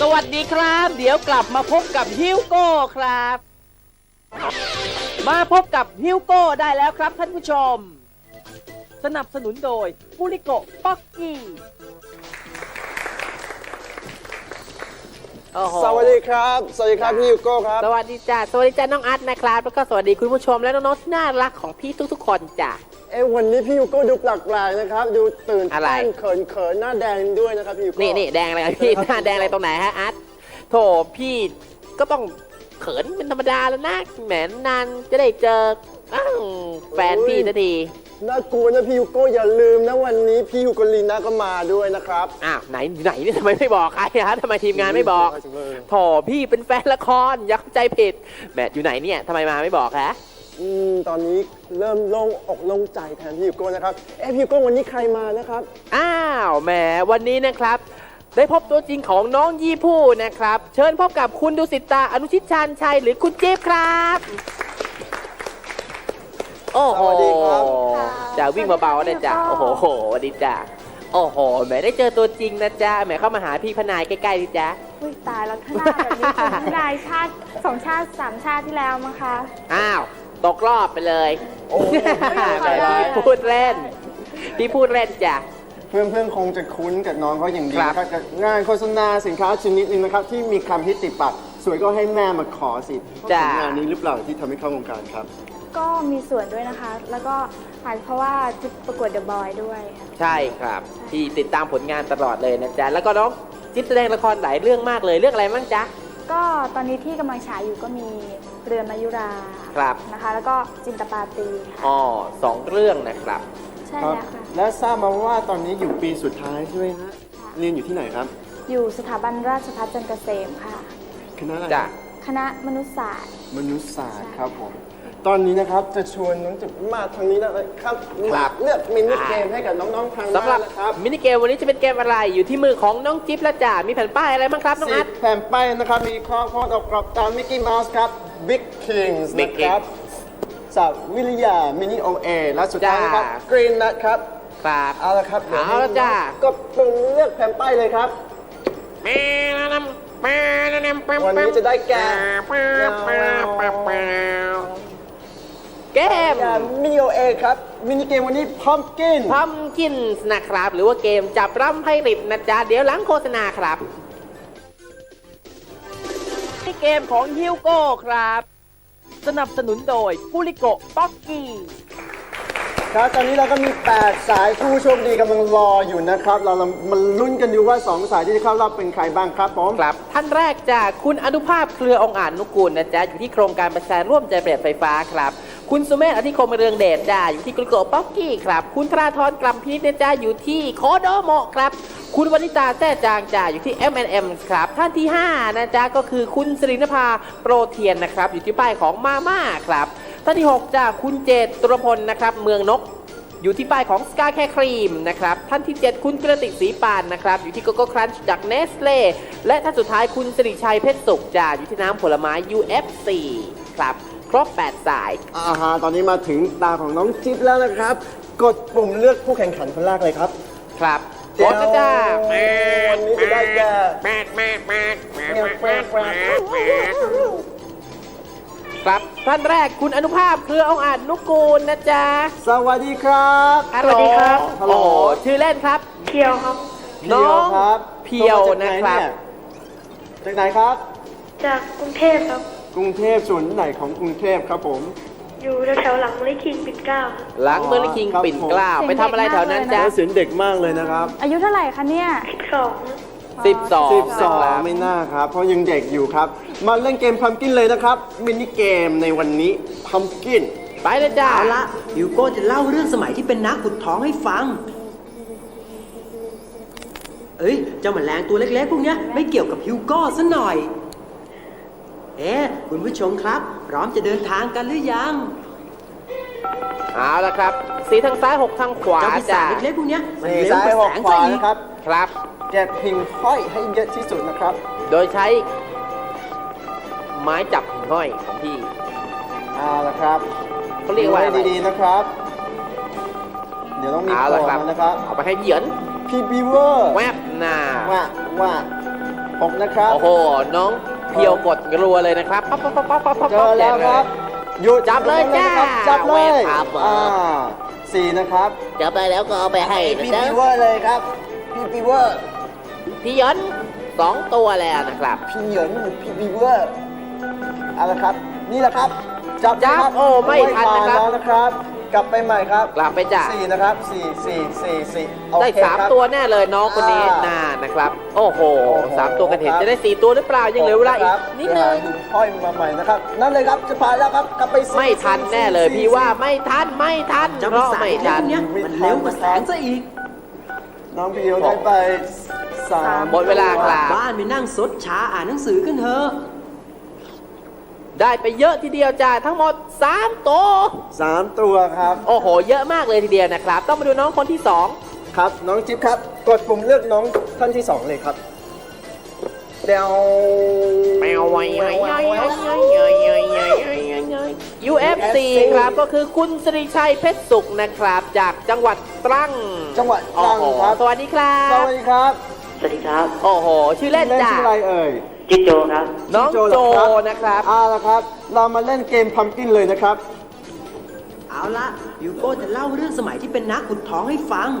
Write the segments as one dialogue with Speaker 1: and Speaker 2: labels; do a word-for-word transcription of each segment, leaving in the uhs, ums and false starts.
Speaker 1: วัสดีครับเดี๋ยวกลับมาพบกับฮิวโก้ครับมาพบกับฮิวโก้ได้แล้วครับท่านผู้ชมสนับสนุนโดยปุริโกป๊อกกี้
Speaker 2: สวัสดีครับสวัสดีครับพี่ฮิวโก้ครับ
Speaker 1: สวัสดีจ้าสวัสดีจ้าน้องอาร์ตนะครับแล้วก็สวัสดีคุณผู้ชมและน้องๆที่น่ารักของพี่ทุกๆคนจ้า
Speaker 2: เอ้วันนี้พี่ฮิวโก้ดูแปลกๆนะครับดูตื่น
Speaker 1: อะไร
Speaker 2: เต้นเขินเขินหน้าแดงด้วยนะครับพี่ฮิวโก้
Speaker 1: นี่นี่แดงอะไรพี่หน้าแดงอะไรตรงไหนฮะอาร์ตโถพี่ก็ต้องเขินเป็นธรรมดาแล้วนะแหมนานจะได้เจออ้าวแฟนพี่สักที
Speaker 2: น่ากลัวนะพี่ฮิวโก้อย่าลืมนะวันนี้พี่ฮิวโกลีน่าก็มาด้วยนะครับ
Speaker 1: อ้าวไหนไหนนี่ทำไมไม่บอกใครฮะทำไมทีมงานไม่บอกโถพี่เป็นแฟนละครอย่าเข้าใจผิดแหมอยู่ไหนเนี่ยทำไมมาไม่บอกฮะ
Speaker 2: อืมตอนนี้เริ่มโล่งอกโล่งใจแทนพี่ฮิวโก้นะครับเอ้พี่ฮิวโก้วันนี้ใครมานะครับ
Speaker 1: อ้าวแหมวันนี้นะครับได้พบตัวจริงของน้องยี่ผู้นะครับเชิญพบกับคุณดุสิตาอนุชิตชาญชัยหรือคุณจิ๊บครับโอ้โหจะวิ่งเบาๆนะจ๊ะโอ้โหสวัสดีจ้ะโอ้โหแหมได้เจอตัวจริงนะจ๊ะแหมเข้ามาหาพี่พนายใกล้ๆดิจ๊ะ
Speaker 3: อุ้ยตายแล้วถ้าหน้าแบบนี้คุณพนายชาติสองชาติสามชาติที่แล้วมั้งคะ
Speaker 1: อ้าวตกรอบไปเลย
Speaker 2: โอ้
Speaker 1: แต่พี่พูดเล่นพี่พูดเล่นจ้ะ
Speaker 2: เพื่อนเพื่อนคงจะคุ้นกับน้องเขาอย่างดีนะครับงานโฆษณาสินค้าชนิดหนึ่งนะครับที่มีคำฮิตติดปากสวยก็ให้แม่มาขอสิงานนี้หรือเปล่าที่ทำให้เข้าวงการครับ
Speaker 3: ก็มีส่วนด้วยนะคะแล้วก็อาจเพราะว่าจุดประกวดเดอะบอยด้วย
Speaker 1: ใช่ครับที่ติดตามผลงานตลอดเลยนะจ๊ะแล้วก็น้องจิ๊บแสดงละครหลายเรื่องมากเลยเรื่องอะไรบ้างจ๊ะ
Speaker 3: ก็ตอนนี้ที่กำลังฉายอยู่ก็มีเรือนมายุรา
Speaker 1: ครับ
Speaker 3: นะคะแล้วก็จินตปาตี
Speaker 1: อ๋อสองเรื่องนะครับ
Speaker 3: ใช่แล้วค่ะ
Speaker 2: และทราบมาว่าตอนนี้อยู่ปีสุดท้ายใช่ไหมฮะเรียนอยู่ที่ไหนครับ
Speaker 3: อยู่สถาบันราชภัฏจันทร์เกษมค่ะ
Speaker 2: คณะอะไร
Speaker 1: จ้ะ
Speaker 3: คณะมนุษยศาสตร์
Speaker 2: มนุษยศาสตร์ครับผมตอนนี้นะครับจะชวนน้องจิ๊บมาทางนี้นะครับมาเลือกมินิเกมให้กับน้องๆทางบ้านนะครับ
Speaker 1: มินิเกมวันนี้จะเป็นเกมอะไรอยู่ที่มือของน้องจิ๊บและจ่ามีแผ่นป้ายอะไรบ้างครับน้องอัด
Speaker 2: แผ่นป้ายนะครับมีข้อความออกกรอบตามมิกกี้เมาส์ครับ Big Kings นะครับจากวิริยามินิโอเอและสุดท้ายนะครับ Green Nut ครับ
Speaker 1: ครับ
Speaker 2: เอาละครับ
Speaker 1: เอาละจ้า
Speaker 2: ก็ปุ่มเลือกแผ่นป้ายเลยครับวันนี้จะได้แก่
Speaker 1: เกม
Speaker 2: มินิโอเอครับมินิเกมวันนี้พัมกิน
Speaker 1: พัมกินนะครับหรือว่าเกมจับร่ำไพ่ริบนะจ๊ะเดี๋ยวหลังโฆษณาครับที่เกมของฮิวโก้ครับสนับสนุนโดยปุริโกป๊อกกี้
Speaker 2: ครับตอนนี้เราก็มีแปดสายผู้โชคดีกำลังรออยู่นะครับเรามาลุ้นกันดูว่าสองสายที่จะเข้ารอบเป็นใครบ้างครับผม
Speaker 1: ครับท่านแรกจากคุณอนุภาพเครือองค์อาจนุกูลนะจ๊ะอยู่ที่โครงการประชาร่วมใจประหยัดไฟฟ้าครับคุณสุเมธอธิคมเรืองเดชจ้าอยู่ที่กุลโกป๊อกกี้ครับคุณธราธรกลัมพีนะจ๊ะอยู่ที่โคโดโมะครับคุณวณิตาแท้จางจ้าอยู่ที่ เอ็ม แอนด์ เอ็ม ครับท่านที่ห้านะจ๊ะก็คือคุณสิรินภาโปรเทียนนะครับอยู่ที่ป้ายของมาม่าครับท่านที่หกจ้าคุณเจตตุรพลนะครับเมืองนกอยู่ที่ป้ายของสกาแคร์ครีมนะครับท่านที่เจ็ดคุณกระติกศรีปานนะครับอยู่ที่โกโก้ครันช์จากเนสเล่และท่านสุดท้ายคุณสิริชัยเพชรสุขจ้าอยู่ที่น้ำผลไม้ ยู เอฟ ซี ครับครบแปดสาย
Speaker 2: อ่าฮะตอนนี้มาถึงตาของน้องจิ๊บแล้วนะครับกดปุ่มเลือกผู้แข่งขันคนแรกเลยครับ
Speaker 1: ครับกดนะจ้า
Speaker 2: วันนี้จะได้แก่
Speaker 1: ครับท่านแรกคุณอนุภาพเครือองค์อาจนุกูลนะจ๊ะ
Speaker 2: สวัสดีครับ
Speaker 3: สวัสดีครับ
Speaker 1: โอ้ชื่อเล่นครับ
Speaker 3: เพียวครับ
Speaker 1: น้องเพียวนะครับ
Speaker 2: จากไหนครับ
Speaker 3: จากกรุงเทพครับ
Speaker 2: กรุงเทพส่วนไหนของกรุงเทพครับผม
Speaker 3: อยู่แถวหลังเมลิคิงปิ่นเกล้า
Speaker 1: หลังเมลิคิงปิ่นเกล้าไปทำอะไรแถวนั้นจ๊ะ
Speaker 2: เสียงเด็กมากเลยนะครับ
Speaker 3: อายุเท่าไหร่คะเนี่ย
Speaker 1: สิบสอง
Speaker 2: สิบสองไม่น่าครับเพราะยังเด็กอยู่ครับมาเล่นเกมพัมกินเลยนะครับมินิเกมในวันนี้พัมกิน
Speaker 1: ไปเลยจ้า
Speaker 4: เอาละฮิวโก้จะเล่าเรื่องสมัยที่เป็นนักขุดทองให้ฟังเอ้ยเจ้าแมลงตัวเล็กๆพวกนี้ไม่เกี่ยวกับฮิวโก้ซะหน่อยเอ๊ะคุณผู้ชมครับพร้อมจะเดินทางกันหรือยัง
Speaker 1: เอาละครับสีทางซ้ายหกทางขวาจ้า
Speaker 4: เล็กๆพวกนี้
Speaker 2: มันเร็วกว่าแสงไฟนะครับ
Speaker 1: ครับ
Speaker 2: แกะหิ่งห้อยให้เยอะที่สุดนะครับ
Speaker 1: โดยใช้ไม้จับหิ่งห้อยของพี่
Speaker 2: เอาละครับ
Speaker 1: เขาเรียกว่า
Speaker 2: ดีๆนะครับเดี๋ยวต้องมีโผล่นะครับ
Speaker 1: เอาไปให้เหยียน
Speaker 2: พี่บีเวอร์
Speaker 1: แวบหน้า
Speaker 2: ว่าว่าหกนะครับ
Speaker 1: โอ้โห น้องเพียวกดรัวเลยนะครับป๊อปป๊อปป๊อปป๊อปป๊อป
Speaker 2: เจอแล้วครับหยุด
Speaker 1: จับเลยจ้า
Speaker 2: จับเลย
Speaker 1: ครับผม
Speaker 2: อ่าสี่นะครับ
Speaker 1: จับไปแล้วก็เอาไปให้
Speaker 2: พี่
Speaker 1: นะจ๊ะ
Speaker 2: ปีเวอร์เลยครับพี่ปีเวอร์
Speaker 1: พี่ย้อนสองตัวแล้วนะครับ
Speaker 2: พี่เหยินพี่ปีเวอร์เอาละครับ นี่แหละครับจับ
Speaker 1: จับ
Speaker 2: นะครับ
Speaker 1: โอ้ไม่ทันนะครับ
Speaker 2: โอ้ยมาแล้วนะครับ กลับไปใหม่ครับ
Speaker 1: กลับไปจ้ะ
Speaker 2: สี่นะครับสี่สี่สี่สี่โอ
Speaker 1: ได้
Speaker 2: เค
Speaker 1: สาม
Speaker 2: ครับ
Speaker 1: ตัวแน่เลยน้องคนนี้
Speaker 2: อ่า
Speaker 1: น่านะครับ โอ้โห
Speaker 2: โอ้โห
Speaker 1: สามตัวกันเห็น
Speaker 2: ครับ
Speaker 1: จะได้สี่ตัวหรือเปล่ายังเหลือเวลาอีกนิดนึง
Speaker 2: เดี๋ยวหาหิห้อยมาใหม่นะครับ นั่นเลยครับจะผ่านแล้วครับกลับไปสี่
Speaker 1: ไม่ทันแน่เลย
Speaker 2: สี่
Speaker 1: พี่ว่าไม่ทันไม่ทัน
Speaker 4: เจ้า
Speaker 1: เพ
Speaker 4: ปี
Speaker 1: ราะ
Speaker 4: ศาจ
Speaker 1: ไม่
Speaker 4: เล็ก
Speaker 1: ทั
Speaker 4: ๆ
Speaker 1: น
Speaker 4: พวกเนี้ยมันเร็วกว่าแสงซะอีก
Speaker 2: น้องพี่เอวได้ไปสาม
Speaker 1: หมดเวลาครับ
Speaker 4: บ้านไปนั่งซดชาอ่านหนังสือกันเถอะ
Speaker 1: ได้ไปเยอะทีเดียวจ้าทั้งหมดสามตัว
Speaker 2: สามตัวครับ
Speaker 1: โอ้โห เยอะมากเลยทีเดียวนะครับ ต้องมาดูน้องคนที่สอง
Speaker 2: ครับน้องจิ๊บครับ กดปุ่มเลือกน้องท่านที่สองเลยครับเดว
Speaker 1: แมวไว้ไว้ไว้ไว้ไว้ไว้ไว้ไว้ไว้ ยู เอฟ ซี ครับก็คือคุณสิริชัยเพชรสุขนะครับ จากจังหวัดตรัง
Speaker 2: จังหวัดตรังครับ
Speaker 1: สวัสดีครั
Speaker 2: ส
Speaker 1: บ
Speaker 2: วัสดีครับ
Speaker 5: สวัสดีครับ
Speaker 1: โอ้โห ชื่อเล่น
Speaker 2: เล่น
Speaker 1: จ้ะ
Speaker 2: ชื่ออะไรเอ่ย
Speaker 5: จิ๊กโจครับ
Speaker 1: น้อง
Speaker 2: ชื่
Speaker 1: โจ
Speaker 2: เหรอ
Speaker 1: นะครับ
Speaker 2: เอาละครับ เรามาเล่นเกมพัมกินเลยนะครับ
Speaker 4: เอาละยูโก้จะเล่าเรื่องสมัยที่เป็นนักขุดทองให้ฟัง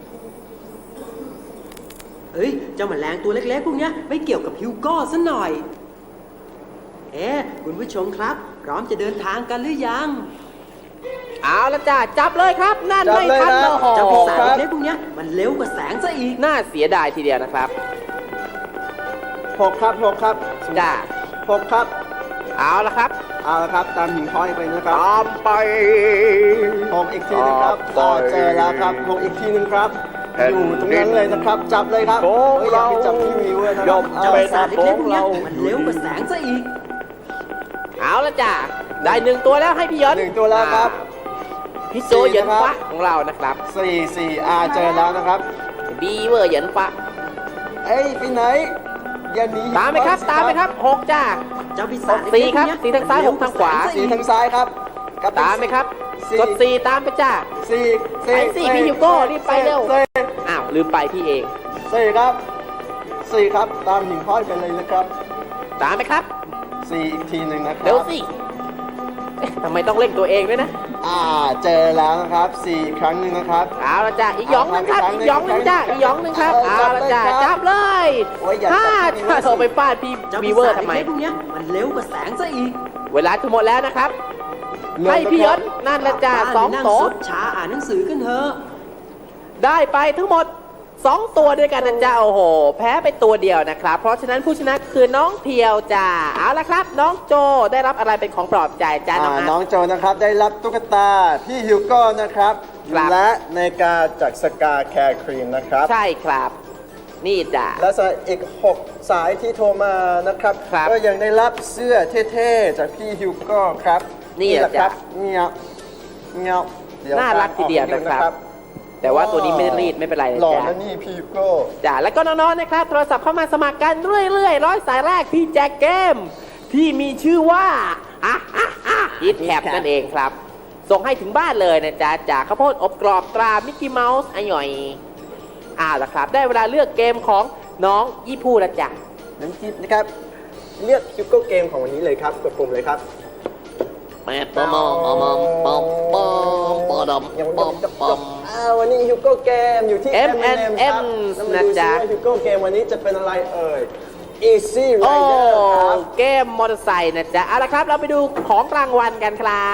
Speaker 4: เฮ้ย เจ้าแมลงตัวเล็กๆพวกเนี้ยไม่เกี่ยวกับฮิวโก้ซะหน่อย เอ๊ะคุณผู้ชมครับ พร้อมจะเดินทางกันหรือยัง
Speaker 1: เอาละจ้ะจับเลยครับ นั่น
Speaker 2: จับ
Speaker 1: ไม่
Speaker 2: เลย
Speaker 1: ทัน
Speaker 2: นะ
Speaker 1: โอ้โห
Speaker 4: เจ้าปีศาจ
Speaker 2: ครับ
Speaker 4: เล็กๆพวกเนี้ยมันเร็วกว่าแสงซะอีก
Speaker 1: น่าเสียดายทีเดียวนะครับ
Speaker 2: หกครับหกครับ
Speaker 1: จ้ะ
Speaker 2: หกครับ
Speaker 1: เอาละครับ
Speaker 2: เอาละครับ ตามหิ่งห้อยไปนะครับ
Speaker 1: ตามไป
Speaker 2: หกอีกทีนึงครับ
Speaker 1: ต่อ
Speaker 2: อ่า
Speaker 1: ไป
Speaker 2: เจอแล้วครับหกอีกทีนึงครับ
Speaker 1: แผ่น
Speaker 2: อยู่ตรงนั้นเลยนะครับ จับเลยครับ
Speaker 1: ของ
Speaker 2: เฮ้ยอย่าไปจับที่วิวเลยนะค
Speaker 1: ย่
Speaker 2: รั
Speaker 1: อบ ม
Speaker 2: เอา
Speaker 4: เจ้า
Speaker 1: เป็
Speaker 4: ปี
Speaker 1: น
Speaker 4: ศาจเล็กๆพวกเนี้ยมันเร็วกว่าแสงซะอีก
Speaker 1: เอาละจ้ะได้หนึ่งตัวแล้วให้พี่ย้อน
Speaker 2: หนึ่งตัวแล้วครับ
Speaker 1: พี่โจเหยินฟ้าของเรานะครับ
Speaker 2: สี่สี่อาเจอแล้วนะครับ
Speaker 1: บีเวอร์เหยินฟ้า
Speaker 2: เอ้ยไปไหนอย่าหนี
Speaker 1: ตามไหมครับ ตามไหมครับหกจ้า
Speaker 4: เจ้าปีศาจ
Speaker 1: สี่
Speaker 4: เล็กๆ
Speaker 1: ครับ
Speaker 4: พวกเนี้ย
Speaker 1: สี่ทางซ้ายหกทางขวา
Speaker 4: มัน
Speaker 2: สี่
Speaker 4: เร็วก
Speaker 2: ทางซ้ายครับกลับป
Speaker 1: ตามไหมครับ
Speaker 2: สี่
Speaker 1: กดสี่ตามไปจ้า
Speaker 2: สี่
Speaker 1: ไปสิพี่ฮิวโก้รีบไปเร็ว
Speaker 2: สี่
Speaker 1: อ้าวลืมไปพี่เอง
Speaker 2: สี่ครับสี่ครับ ตามหิ่งห้อยไปเลยนะครับ
Speaker 1: ตามไหมครับ
Speaker 2: สี่อีกทีหนึ่งนะครับ
Speaker 1: เร็วสิเอ๊ะทำไมต้องเร่งตัวเองด้วยนะ
Speaker 2: อ่าเจอแล้วนะครับสี่อีกครั้งหนึ่งนะครับ
Speaker 1: เอาละจ้าอีกหยองหนึงครับ อีกหยองหนึงจ้าอีกหยองหนึงครับ
Speaker 2: เออ
Speaker 1: เอาละจ้า
Speaker 2: จับเลยครับ
Speaker 1: จับเลย
Speaker 2: โอ้ยอย่าจับ
Speaker 1: ถ้า
Speaker 2: พี่
Speaker 1: ถ้า
Speaker 2: บีเวอร์สิ
Speaker 1: โทรไปฟาดพี่
Speaker 4: เจ้า
Speaker 1: บี
Speaker 4: ปี
Speaker 1: เวอ
Speaker 4: ศา
Speaker 1: ร์
Speaker 4: จ
Speaker 1: ทำไม
Speaker 4: เล็กๆพวกเนี้ยมันเร็วกว่าแสงซะอีก
Speaker 1: เวลาจะหมดแล้วนะครับ
Speaker 2: เริ่ม
Speaker 1: ให้พี่
Speaker 2: แล้ว
Speaker 1: ย
Speaker 2: ครับ
Speaker 1: ศนั่นละจ้า
Speaker 4: บ้าน
Speaker 1: สอง
Speaker 4: ไปนั่
Speaker 1: โต
Speaker 4: ซดชาอ่านหนังสือกันเถอะ
Speaker 1: ได้ไปทั้งหมดสองตัวด้วยกันนะจ้าโอ้โห แพ้ไปตัวเดียวนะครับ เพราะฉะนั้นผู้ชนะคือน้องเพียวจ้าเอาละครับ น้องโจได้รับอะไรเป็นของปลอบใจจ้าน้อง
Speaker 2: อ่า
Speaker 1: อาร์ต
Speaker 2: น้องโจนะครับได้รับตุ๊กตาพี่ฮิวโก้นะครับ
Speaker 1: ครับ
Speaker 2: และนาฬิกาจากสกาแคร์ครีมนะครับ
Speaker 1: ใช่ครับ นี่จ้า
Speaker 2: และสายอีก หก สายที่โทรมานะครับ
Speaker 1: ครับ
Speaker 2: ก็ยังได้รับเสื้อเท่ๆ จากพี่ฮิวโก้ครับ
Speaker 1: นี่
Speaker 2: แหละครับ
Speaker 1: จ้ะ
Speaker 2: เงี้ยเงี้ยเดี๋ยว
Speaker 1: น่ารักทีเดียวนะครับ แต่ว่าตัวนี้ไม่ได้รีดไม่เป็นไรนะ
Speaker 2: หล่อ
Speaker 1: จ้า
Speaker 2: นะนี่พี่ฮิวโก้
Speaker 1: จ้าแล้วก็น้องๆนะครับโทรศัพท์เข้ามาสมัครกันเรื่อยๆร้อยสายแรกพี่แจ็คเกม ที่มีชื่อว่าอ่ะอ่ะอ่ะฮิตแคปนั่นเองครับ ส่งให้ถึงบ้านเลยนะจ๊ะจากข้าวโพดอบกรอบตรามิกกี้เมาส์อ่อยอ่าละครับ ได้เวลาเลือกเกมของน้องยี่พูแล้วจ้ะ
Speaker 2: น้ำจิ้มนะครับ เลือกฮิวโก้เกมของวันนี้เลยครับ กดปุ่มเลยครับ
Speaker 1: แปดปอมปอมปอมปอมปอม
Speaker 2: ยัง
Speaker 1: ปอมปอม
Speaker 2: อ่าวันนี้ฮิวโก้เกมอยู่ที่
Speaker 1: เอ็ม
Speaker 2: เอ็ม
Speaker 1: เอ็น
Speaker 2: เอ็ม
Speaker 1: เอ็ม
Speaker 2: ครับแล้วมาดู
Speaker 1: นะจ๊ะ
Speaker 2: ซิว่าฮิวโก้เกมวันนี้จะเป็นอะไรเอ่ย Easy
Speaker 1: โอ้
Speaker 2: Rider ครับ
Speaker 1: เกมมอเตอร์ไซค์นะจ๊ะเอาละครับ เราไปดูของรางวัลกันครับ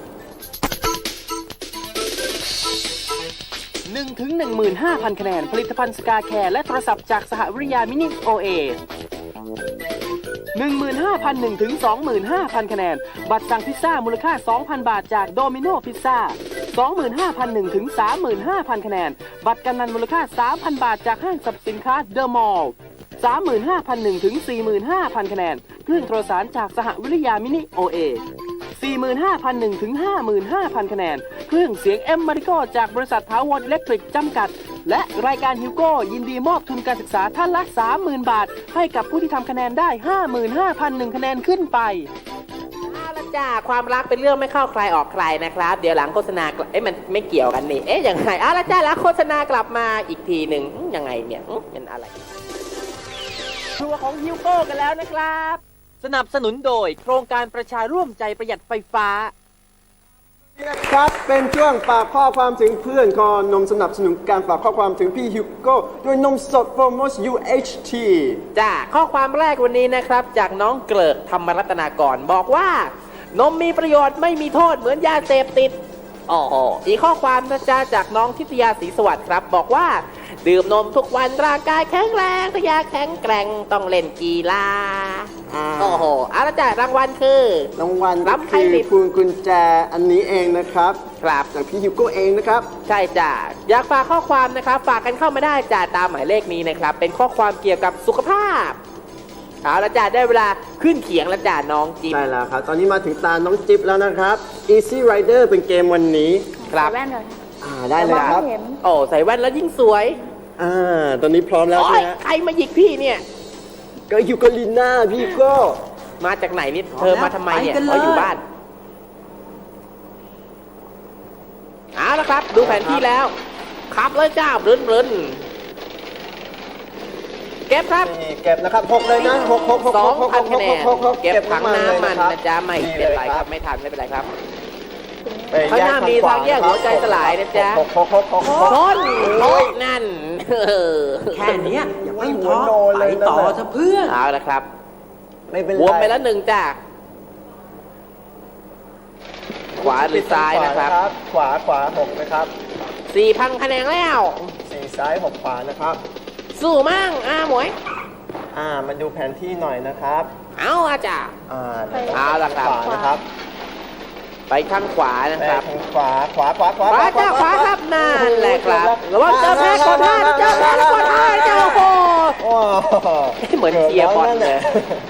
Speaker 1: หนึ่งถึงหนึ่งหมื่นห้าพัน คะแนน ผลิตภัณฑ์สกาแคร์และโทรศัพท์จากสหวิทยามินิโอเอหนึ่งหมื่นห้าพันหนึ่งถึงสองหมื่นห้าพัน คะแนน บัตรสั่งพิซซ่ามูลค่า สองพัน บาทจากโดมิโนพิซซ่า สองหมื่นห้าพันหนึ่งถึงสามหมื่นห้าพัน คะแนน บัตรกำนันมูลค่า สามพัน บาทจากห้างสรรพสินค้าเดอะมอลล์ สามหมื่นห้าพันหนึ่งถึงสี่หมื่นห้าพัน คะแนน เครื่องโทรสารจากสหวิทยามินิโอเอ สี่หมื่นห้าพันหนึ่งถึงห้าหมื่นห้าพัน คะแนน เครื่องเสียงเอ็มมาริโกจากบริษัทถาวรอิเล็กทริกจำกัด และรายการฮิวโก้ยินดีมอบทุนการศึกษาท่านละ สามหมื่น บาท ให้กับผู้ที่ทำคะแนนได้ ห้าหมื่นห้าพันหนึ่ง คะแนนขึ้นไปเอาละจ้าความรักเป็นเรื่องไม่เข้าใครออกใครนะครับ เดี๋ยวหลังโฆษณาเอ๊ะมันไม่เกี่ยวกันนี่เอ๊ะยังไงเอาละจ้าแล้วโฆษณากลับมาอีกทีหนึ่งยังไงเนี่ยเป็นอะไรครัวของฮิวโก้กันแล้วนะครับ สนับสนุนโดยโครงการประชาร่วมใจประหยัดไฟฟ้า
Speaker 2: ครับเป็นช่วงฝากข้อความถึงเพื่อนคอนมสนับสนุนการฝากข้อความถึงพี่ฮิวโก้ด้วยนมสดโฟร์มอส ยู เอช ที
Speaker 1: จ้าข้อความแรกวันนี้นะครับ จากน้องเกลิกธรรมรัตนากรบอกว่า นมมีประโยชน์ไม่มีโทษเหมือนยาเสพติดอ๋ออีกข้อความนะจ๊ะจากน้องทิตยาศรีสวัสดิ์ครับ บอกว่า ดื่มนมทุกวันร่างกายแข็งแรงถ้าอยากแข็งแกร่งต้องเล่นกีฬา
Speaker 2: อ่า
Speaker 1: โอ้โหเอาละจ้ะรางวัลคือ
Speaker 2: รางวัล
Speaker 1: รับไพ่
Speaker 2: คือ
Speaker 1: ลิป
Speaker 2: พวงกุญแจอันนี้เองนะครับ
Speaker 1: ครับ
Speaker 2: จากพี่ฮิวโก้เองนะครับ
Speaker 1: ใช่จ้ะอยากฝากข้อความนะครับ ฝากกันเข้ามาได้จ้ะตามหมายเลขนี้นะครับ เป็นข้อความเกี่ยวกับสุขภาพเอาละจ้ะได้เวลาขึ้นเขียงแล้วจ้ะน้องจิ๊บ
Speaker 2: ใช่แล้วครับ ตอนนี้มาถึงตาน้องจิ๊บแล้วนะครับ Easy Rider เป็นเกมวันนี้
Speaker 1: ครับ
Speaker 3: ใส่แว่นเลย
Speaker 2: อ่าได้เลยครับ
Speaker 3: มองไม่เห็น
Speaker 1: โอ้ใส่แว่นแล้วยิ่งสวย
Speaker 2: อ่า ตอนนี้พร้อมแล้ว
Speaker 1: โอ้
Speaker 2: ใช่
Speaker 1: ย
Speaker 2: ไหมฮะ
Speaker 1: ใครมาหยิกพี่เนี่ย
Speaker 2: ก็ฮิวโกลิน่าพี่ก็
Speaker 1: มาจากไหนนี่เธอมาทำไมเนี่ย
Speaker 4: ไปกันเลย
Speaker 1: เขาอยู่บ้านเอาละครับ ดูแผนที่แล้วขับเลยจ้าเรินเรินเก็บครับ
Speaker 2: นี่เก็บนะครับหกเลยนะหกหกหก
Speaker 1: สอง
Speaker 2: หก
Speaker 1: พัน
Speaker 2: ห
Speaker 1: คะ
Speaker 2: ก
Speaker 1: แน
Speaker 2: ห
Speaker 1: น
Speaker 2: กหกหก
Speaker 1: เก็บถังน้ำมัน
Speaker 2: เลย
Speaker 1: นะจ๊ะไม่เป็นไรครับ
Speaker 2: นี่
Speaker 1: ไม่ทันไม่เป็นไรครับ
Speaker 2: ไป
Speaker 1: ข้างหน้ามีทางแยกหัวใจสลายนะจ๊ะ
Speaker 2: หกหกหกหกหก
Speaker 1: ชน
Speaker 2: โอ้ย
Speaker 1: นั่น
Speaker 4: แค่เนี้ยอย่าเพิ่งท้อ
Speaker 2: หัวโนเล
Speaker 4: ไป
Speaker 2: ยนั่น
Speaker 4: ต่อ
Speaker 2: น่ะ
Speaker 4: เถอะเพื่อน
Speaker 1: เอาละครับ
Speaker 2: ไม่เป็นไร
Speaker 1: วมไปแล้วหนึ่งจ้าขวาหรือซ้ายนะครับ
Speaker 2: ขวาขวาหกนะครับ
Speaker 1: สี่พันคะแนนแล้ว
Speaker 2: สี่ซ้ายหกขวานะครับ
Speaker 1: สู้มั่งอาหมวย
Speaker 2: อ่ามาดูแผนที่หน่อยนะครับ
Speaker 1: เอาอาจ้า
Speaker 2: อ่า
Speaker 1: เอาล่ะครับ
Speaker 2: ขวานะครับ
Speaker 1: ไปข้างขวานะ
Speaker 2: ไป
Speaker 1: ครับ
Speaker 2: ทางขวาขวาขวาขวา
Speaker 1: ขวาจ้าขวาครับนั่นแหละครับระวังเจอแพ้กดท่าเจอแพ้กดท่าเจ้าโอ้โห
Speaker 2: โอ้โห
Speaker 1: เหมือนเชียร์บอลเลย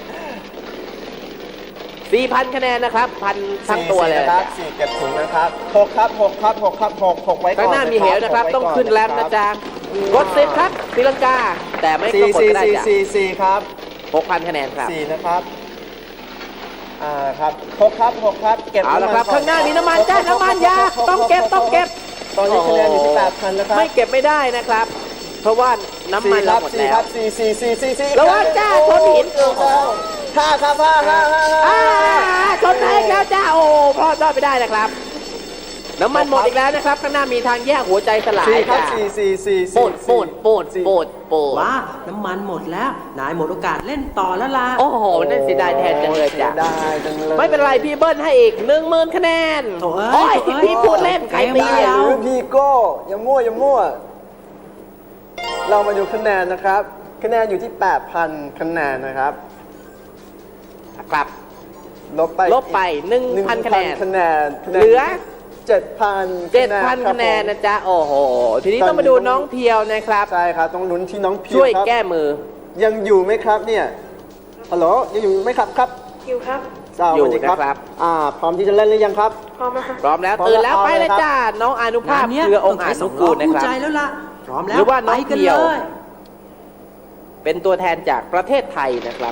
Speaker 1: สี่พันคะแนนนะครับพันทั้งตัวเลย
Speaker 2: สี่นะครับสี่เก็บถุงนะครับหกครับหกครับหกครับหกหกไว้ก่อน
Speaker 1: ข้างหน้ามีเหวนะครับ
Speaker 2: หกไว้
Speaker 1: ต้อง
Speaker 2: ก่
Speaker 1: ขึ้นแรมนะจ๊ะกดสิบครับตีลังกา แต่ไม่
Speaker 2: สี่
Speaker 1: ต้องกด
Speaker 2: สี่
Speaker 1: ก็ได้
Speaker 2: สี่
Speaker 1: จ้ะ
Speaker 2: สี่สี่ครับ
Speaker 1: หกพันคะแนนครับ
Speaker 2: สี่นะครับอ่าครับหกครับหกครับเก็บ
Speaker 1: เอาละครับ
Speaker 2: ำมั
Speaker 1: ข้างหน้ามีน้ำมัน
Speaker 2: หก
Speaker 1: จ้า
Speaker 2: หก
Speaker 1: น้ำมัน
Speaker 2: ห
Speaker 1: ยา
Speaker 2: หก
Speaker 1: ต้องเก็บ
Speaker 2: หก
Speaker 1: ต้องเก็บ
Speaker 2: ตอนนี้คะแนนอยู่ที่แปดพันนะครับ
Speaker 1: ไม่เก็บไม่ได้นะครับ เพราะว่าน้ำมัน
Speaker 2: สี่ค
Speaker 1: เรา
Speaker 2: รับ
Speaker 1: หมด
Speaker 2: สี่
Speaker 1: แล้
Speaker 2: คว รับสี่สี่สี่สี่สี่
Speaker 1: ระวังจ้าชนหิน
Speaker 2: เกือบแล้วห้าครับห้าห้าห้า
Speaker 1: อ่า
Speaker 2: ห้า
Speaker 1: ชนแพ้แล้วจ้าโอ้พลาดรอดไปได้นะครับ น้ำมันหมดอีกแล้วนะครับ ข้างหน้ามีทางแยกหัวใจสลาย
Speaker 2: สี่ครับ
Speaker 1: จ้า
Speaker 2: สี่สี่สี่
Speaker 1: โปดโปดโปดโปดโปด
Speaker 4: ว่าน้ำมันหมดแล้ว นายหมดโอกาสเล่นต่อแล้วล่ะ
Speaker 1: โอ้โหนั่นเสียดายแทนจังเลยจ้ะ
Speaker 2: ได้จังเลย
Speaker 1: ไม่เป็นไรพี่เบิ้ลให้อีกหนึ่งหมื่นคะแนน
Speaker 4: โถ่เอ้ย
Speaker 1: โอ้ย
Speaker 4: โถ่เอ้ย
Speaker 1: พี่พูดเล่นใครตี
Speaker 4: เกม
Speaker 1: เรา
Speaker 4: เดียว
Speaker 2: หรือพี่โก้อย่ามั่วอย่ามั่ว เรามาดูคะแนนนะครับ คะแนนอยู่ที่ แปดพัน คะแนนนะครับ
Speaker 1: ครับ
Speaker 2: ลบไป
Speaker 1: ลบไปหนึ่งพันคะแนน
Speaker 2: คะแนนคะแนน
Speaker 1: เหลือ
Speaker 2: เจ็ดพัน
Speaker 1: เจ็ดพันคะแนนนะจ๊ะ โอ้โห ทีนี้ต้องมาดูน้องเพียวนะครับ
Speaker 2: ใช่ครับ ต้องลุ้นที่น้องพิว
Speaker 1: ช่วย
Speaker 2: ครับ
Speaker 1: แก้มือ
Speaker 2: ยังอยู่ไหมครับเนี่ย ฮัลโหล ยังอยู่ไหมครับครับ
Speaker 3: คิวครับ
Speaker 2: สวัสดี
Speaker 1: อยู่นะครับ
Speaker 2: อ่า พร้อมที่จะเล่นหรือยังครับ
Speaker 3: พร้อมแล้วค่ะ
Speaker 1: พร้อมแล้ว
Speaker 2: พร้อม
Speaker 1: ตื่นแล้ว
Speaker 2: แล้ว
Speaker 1: ไปเลย
Speaker 2: เอาเลยครับ
Speaker 1: จ้า น้องอนุภาพ
Speaker 4: งานเนี้ย
Speaker 1: เครืออง
Speaker 4: ต้
Speaker 1: ค์
Speaker 4: ใช้
Speaker 1: อานุกูลนะ
Speaker 4: คู่
Speaker 1: ครับ
Speaker 4: ใจแล้วล่ะ พร้อมแล้ว
Speaker 1: หรือว่าน้
Speaker 4: ไป
Speaker 1: อง
Speaker 4: กัน
Speaker 1: เพียว
Speaker 4: เลย
Speaker 1: เป็นตัวแทนจากประเทศไทยนะครับ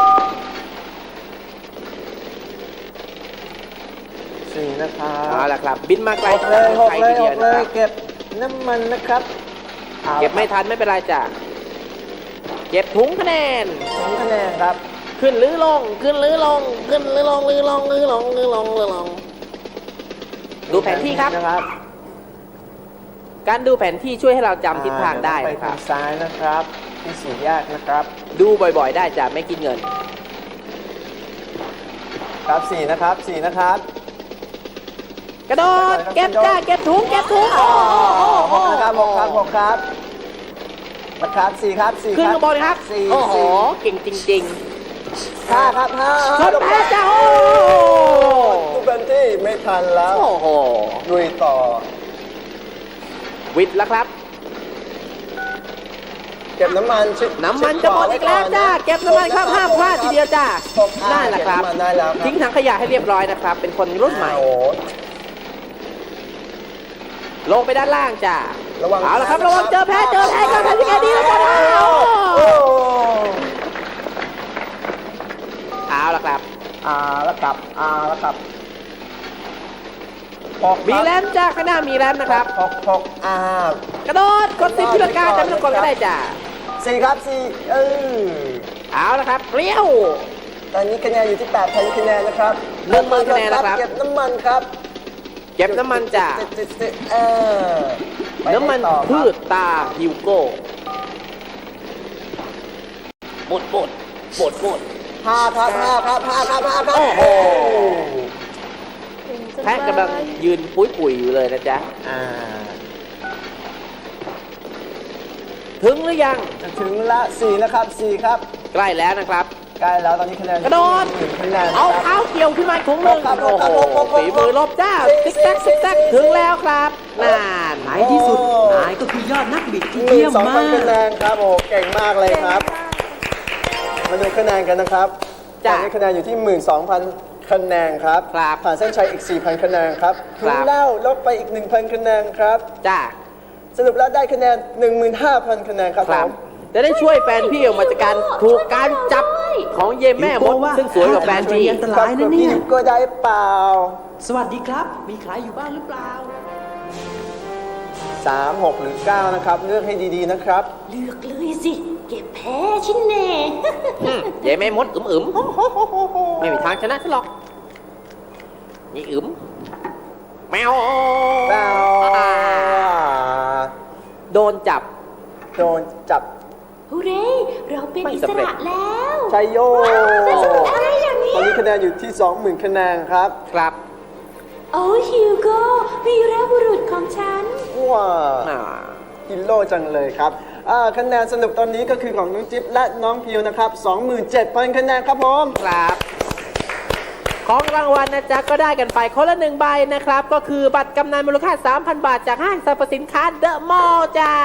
Speaker 2: สี่นะครับ
Speaker 1: เอาละครับ บินมาไกล
Speaker 2: หกเลยหก
Speaker 1: ไทย
Speaker 2: เล
Speaker 1: ที
Speaker 2: ย
Speaker 1: เดี
Speaker 2: ห
Speaker 1: ยว
Speaker 2: ก
Speaker 1: นะ
Speaker 2: เล
Speaker 1: ค
Speaker 2: ย
Speaker 1: รับ
Speaker 2: เก็บน้ำมันนะครับอา
Speaker 1: เก็บไม่ทันไม่เป็นไรจ้ะ เก็บถุงคะแนน
Speaker 2: ถุงคะแนนครับ
Speaker 1: ขึ้นหรือลง ขึ้นหรือลง ขึ้นหรือลงหรือลงหรือลงหรือลงหรือลง ดูแผนที่ครับ
Speaker 2: นะครับ
Speaker 1: การดูแผนที่ช่วยให้เราจำทิศทางได้
Speaker 2: อ่
Speaker 1: นะค
Speaker 2: เยว
Speaker 1: รับ
Speaker 2: ต้องไปทางซ้ายนะครับ ที่สี่แยกนะครับ
Speaker 1: ดูบ่อยๆ ได้จ้ะไม่กินเงิน
Speaker 2: ครับสี่นะครับสี่นะครับ
Speaker 1: กระโดด เก็บจ้า เก็บถุง เก็บถุง โอ้โห
Speaker 2: หกนะครับหกครับหกครับนะครับสี่ครับสี่
Speaker 1: ขึ้น
Speaker 2: ครับ
Speaker 1: ข้างบนครับ
Speaker 2: สี่
Speaker 1: โอ้โห
Speaker 2: สี่
Speaker 1: เก่งจริง
Speaker 2: ห้าครับห้า
Speaker 1: ๆชนแพ้จ้าโอ้
Speaker 2: ทุกคนที่ไม่ทันแล้ว
Speaker 1: โอ้โห
Speaker 2: ลุยต่อ
Speaker 1: วิทย์แล้วครับ
Speaker 2: เก็บน้ำมันชิด
Speaker 1: น้ำมันจะหมดอีกแล้วจ้า เก็บน้ำมันครับห้ามพลาดทีเดียวจ้า
Speaker 2: หกอ่า
Speaker 1: ได้แหละครับ
Speaker 2: เก็น้ำมันได้แล้วครับ
Speaker 1: ทิ้งถังขยะให้เรียบร้อยนะครับ เป็นคนรุ่นใหม่
Speaker 2: โอ้โห
Speaker 1: ลงไปด้านล่างจ้า
Speaker 2: ระวัง
Speaker 1: เอาละครับ
Speaker 2: นะครั
Speaker 1: ระ
Speaker 2: บ
Speaker 1: วังเจอแพ้เจอแพ้ก็ทำยังไงดีแล้วกัน
Speaker 2: โอ้
Speaker 1: เอาละครับ
Speaker 2: อ่าแล้วกลับอ่าแล้วกลับหกครับ
Speaker 1: มีแรมจ้าข้างหน้ามีแรมนะครับ
Speaker 2: หกหกอ่าก
Speaker 1: ระโดด กดสิบพิลกาจะไม่ต้องกดก็ได้จ้า
Speaker 2: สี่ครับสี่เออ
Speaker 1: เอาละครับเปรี้ยว
Speaker 2: ตอนนี้คะแนนอยู่ที่ แปดพัน คะแนนนะครับ
Speaker 1: หนึ่งหมื่นคะแนนนะครับ
Speaker 2: เก็บน้ำมันครับ
Speaker 1: เก็บน้ำมันจาก
Speaker 2: เออไป
Speaker 1: น้ำมัน
Speaker 2: ต่อครับ
Speaker 1: พืชตาฮิวโก้หมดหมดหมดหมด
Speaker 2: ห้าครับห้าครับห้าครับห้าครับ
Speaker 1: โอ้โห
Speaker 3: เก่งจัง
Speaker 1: แพะกำลัง
Speaker 3: เลย
Speaker 1: ยืนปุ้ยปุ๋ยอยู่เลยนะจ๊ะ
Speaker 2: อ่า
Speaker 1: ถึงหรือยัง
Speaker 2: จะถึงละสี่นะครับสี่ครับ
Speaker 1: ใกล้แล้วนะครับ
Speaker 2: ใกล้แล้วตอนนี้คะแนน
Speaker 1: กระโดด
Speaker 2: หนึ่งคะแนน
Speaker 1: เอา
Speaker 2: ครับ
Speaker 1: เท้าเกี่ยวขึ้นมาถุงหนึ่ง
Speaker 2: ครับ
Speaker 1: โอ้โห
Speaker 2: ครับครับ
Speaker 1: ฝีมือลบจ้า
Speaker 2: สี่
Speaker 1: ซิกแซกซิกแซก
Speaker 2: สี่
Speaker 1: ถึงแล้วครับนาน
Speaker 4: ในที่สุด
Speaker 2: โอ้
Speaker 4: นายก็คือยอดนักบิดที่
Speaker 2: หนึ่
Speaker 4: เยี่ย
Speaker 2: ง
Speaker 4: ม
Speaker 2: สอง
Speaker 4: มา
Speaker 2: พัน
Speaker 4: ก
Speaker 2: คะแนนครับโอ้เก่งมากเลยครับ มาดูคะแนนกันนะครับต
Speaker 1: จ้ะ
Speaker 2: อนนี้คะแนนอยู่ที่ หนึ่งหมื่นสองพัน คะแนนครับ
Speaker 1: ครับ
Speaker 2: ผ่านเส้นชัยอีก สี่พัน คะแนนครับ
Speaker 1: ค
Speaker 2: ถึ
Speaker 1: รั
Speaker 2: ง
Speaker 1: บ
Speaker 2: แล้วลบไปอีก หนึ่งพัน คะแนนครับ
Speaker 1: จ้า
Speaker 2: สรุปแล้วได้คะแนน หนึ่งหมื่นห้าพัน คะแนนครับ
Speaker 1: ค
Speaker 2: ผ
Speaker 1: รับ
Speaker 2: ม
Speaker 1: จะได้ช่วยแฟนพี่ออกมาจากการถูกการจับของเยแม่มดซึ่งสวยกว่าแฟนพี่
Speaker 4: อันตรายนะเนี่ย
Speaker 2: ก็ได้เปล่า
Speaker 4: สวัสดีครับ มีใครอยู่บ้านหรือเปล่า
Speaker 2: สาม หก หรือ เก้า นะครับ เลือกให้ดีๆนะครับ
Speaker 5: เลือกเลยสิ เก็บแพ้ชิ้นแน่
Speaker 1: อืมเยแม่มดอึมอึมๆไม่มีทางชนะฉันหรอกนี่อึมแมว
Speaker 2: เปล่า
Speaker 1: อ่าโดนจับ
Speaker 2: โดนจับ
Speaker 5: ฮูเร่เราเป็น
Speaker 1: ไม่
Speaker 5: อิ
Speaker 1: สำ
Speaker 5: ส
Speaker 1: เร็จ
Speaker 5: ระแล้ว
Speaker 2: ชัยโย
Speaker 5: เป็นสมุนอะไรอย่างเนี้
Speaker 2: ตอนนี้คะแนนอยู่ที่ สองหมื่น คะแนนครับ
Speaker 1: ครับ
Speaker 5: โอ้ฮิวโก้วีรบุรุษของฉัน
Speaker 2: ว้า
Speaker 1: อ่า
Speaker 2: ฮิโร่จังเลยครับอ่าคะแนนสรุปตอนนี้ก็คือของน้องจิ๊บและน้องพิวนะครับ สองหมื่นเจ็ดพัน คะแนนครับผม
Speaker 1: ครับ ของรางวัลนะจ๊ะก็ได้กันไปคนละหนึ่งใบนะครับ ก็คือบัตรกำนันมูลค่า สามพัน บาทจากห้างสรรพสินค้าเดอะมอลล์จ้า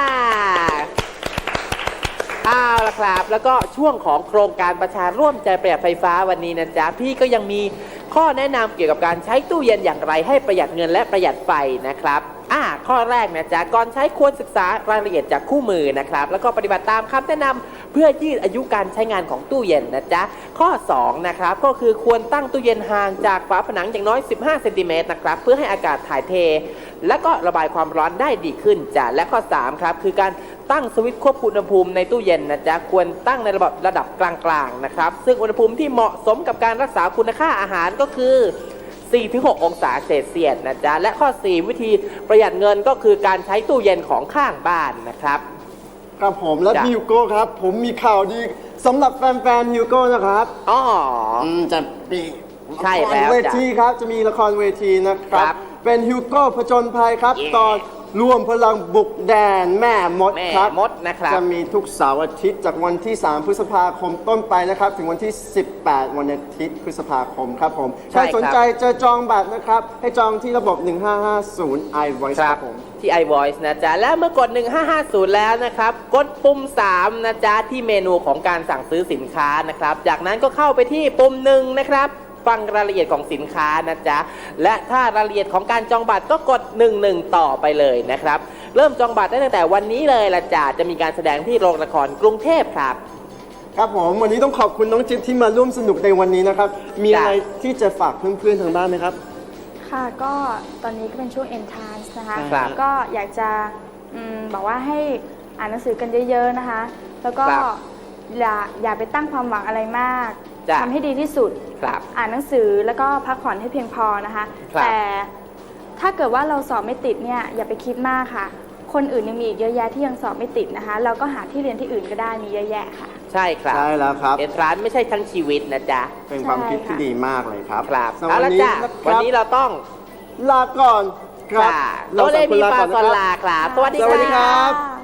Speaker 1: เอาละครับ แล้วก็ช่วงของโครงการประชาร่วมใจประหยัดไฟฟ้าวันนี้นะจ๊ะพี่ก็ยังมีข้อแนะนำเกี่ยวกับการใช้ตู้เย็นอย่างไรให้ประหยัดเงินและประหยัดไฟนะครับอ่าข้อแรกนะจ๊ะก่อนใช้ควรศึกษารายละเอียดจากคู่มือนะครับแล้วก็ปฏิบัติตามคำแนะนำเพื่อยืดอายุการใช้งานของตู้เย็นนะจ๊ะข้อสองนะครับก็คือควรตั้งตู้เย็นห่างจากฝาผนังอย่างน้อยสิบห้าเซนติเมตรนะครับเพื่อให้อากาศถ่ายเท และก็ระบายความร้อนได้ดีขึ้นจ้ะและข้อสามครับคือการตั้งสวิตช์ควบคุมอุณหภูมิในตู้เย็นนะจ๊ะควรตั้งในระดับระดับกลางๆนะครับซึ่งอุณหภูมิที่เหมาะสมกับการรักษาคุณค่าอาหารก็คือ สี่ถึงหก องศาเซลเซียสนะจ๊ะและข้อสี่วิธีประหยัดเงินก็คือการใช้ตู้เย็นของข้างบ้านนะครับ
Speaker 2: ครับผมและ
Speaker 1: จ้ะ
Speaker 2: ฮิวโก้ครับ ผมมีข่าวดีสำหรับแฟนๆฮิวโก้นะครับ
Speaker 1: อ๋อ
Speaker 2: อืมจะมี
Speaker 1: ใช่แล้ว
Speaker 2: ละครเว
Speaker 1: จ้ะ
Speaker 2: ทีครับ จะมีละครเวทีนะครั
Speaker 1: ครับ บ
Speaker 2: เป็นฮิวโก้ผจญภัยครับ
Speaker 1: เย้
Speaker 2: ตอนร่วมพลังบุกแดนแม่มด
Speaker 1: แม่
Speaker 2: ครับ
Speaker 1: มดนะครับ
Speaker 2: จะมีทุกเสาร์อาทิตย์จากวันที่ สาม พฤษภาคมต้นไปนะครับ ถึงวันที่ สิบแปด วันอาทิตย์พฤษภาคมครับผม
Speaker 1: ใช่
Speaker 2: ใคร
Speaker 1: ครับ
Speaker 2: สนใจจะจองบัตรนะครับ ให้จองที่ระบบ หนึ่งห้าห้าศูนย์ iVoice
Speaker 1: ค
Speaker 2: ค
Speaker 1: รั
Speaker 2: รั
Speaker 1: บบ
Speaker 2: ผม
Speaker 1: ที่ iVoice นะจ๊ะ และเมื่อกด หนึ่งห้าห้าศูนย์ แล้วนะครับ กดปุ่ม สาม นะจ๊ะ ที่เมนูของการสั่งซื้อสินค้านะครับ จากนั้นก็เข้าไปที่ปุ่มหนึ่งนะครับ ฟังรายละเอียดของสินค้านะจ๊ะ และถ้ารายละเอียดของการจองบัตรก็กด หนึ่งหนึ่ง ต่อไปเลยนะครับ เริ่มจองบัตรได้ตั้งแต่วันนี้เลยละจ้ะจะมีการแสดงที่โรงละครกรุงเทพครับ
Speaker 2: ครับผมวันนี้ต้องขอบคุณน้องจิ๊บที่มาร่วมสนุกในวันนี้นะครับ มี
Speaker 1: จ้ะ
Speaker 2: อะไรที่จะฝากเพื่อนๆทางบ้านไหมครับ
Speaker 3: ค่ะก็ตอนนี้ก็เป็นช่วง entrance นะคะ
Speaker 1: ครับ
Speaker 3: ก็อยากจะอืมบอกว่าให้อ่านหนังสือกันเยอะๆนะคะ แล้วก็
Speaker 1: ครับ
Speaker 3: อย่าอย่าไปตั้งความหวังอะไรมาก
Speaker 1: จ้ะ
Speaker 3: ทำให้ดีที่สุด
Speaker 1: ครับ
Speaker 3: อ่านหนังสือแล้วก็พักผ่อนให้เพียงพอนะคะ
Speaker 1: ครับ
Speaker 3: แต่ถ้าเกิดว่าเราสอบไม่ติดเนี่ยอย่าไปคิดมากค่ะ คนอื่นยังมีอีกเยอะแยะที่ยังสอบไม่ติดนะคะ เราก็หาที่เรียนที่อื่นก็ได้มีเยอะแยะค่ะ
Speaker 1: ใช่ครับ
Speaker 2: ใช่แล้วครับ
Speaker 1: เอ็นทรานไม่ใช่ทั้งชีวิตนะจ๊ะ
Speaker 2: เป็นความคิดที่
Speaker 3: ใช่ค่ะ
Speaker 2: ดีมากเลยครับ
Speaker 1: ครับ
Speaker 2: สำห
Speaker 1: เอา
Speaker 2: รับ
Speaker 1: ละ
Speaker 2: วันนี้
Speaker 1: จ้ะ
Speaker 2: นะค
Speaker 1: วัน
Speaker 2: รับ
Speaker 1: นี้เราต้อง
Speaker 2: ลาก่อนครับ
Speaker 1: โตเลมีปลาซอนลาครับ สวัสดี
Speaker 2: สวัสดี
Speaker 1: ค
Speaker 2: ครั
Speaker 1: รับ
Speaker 2: บ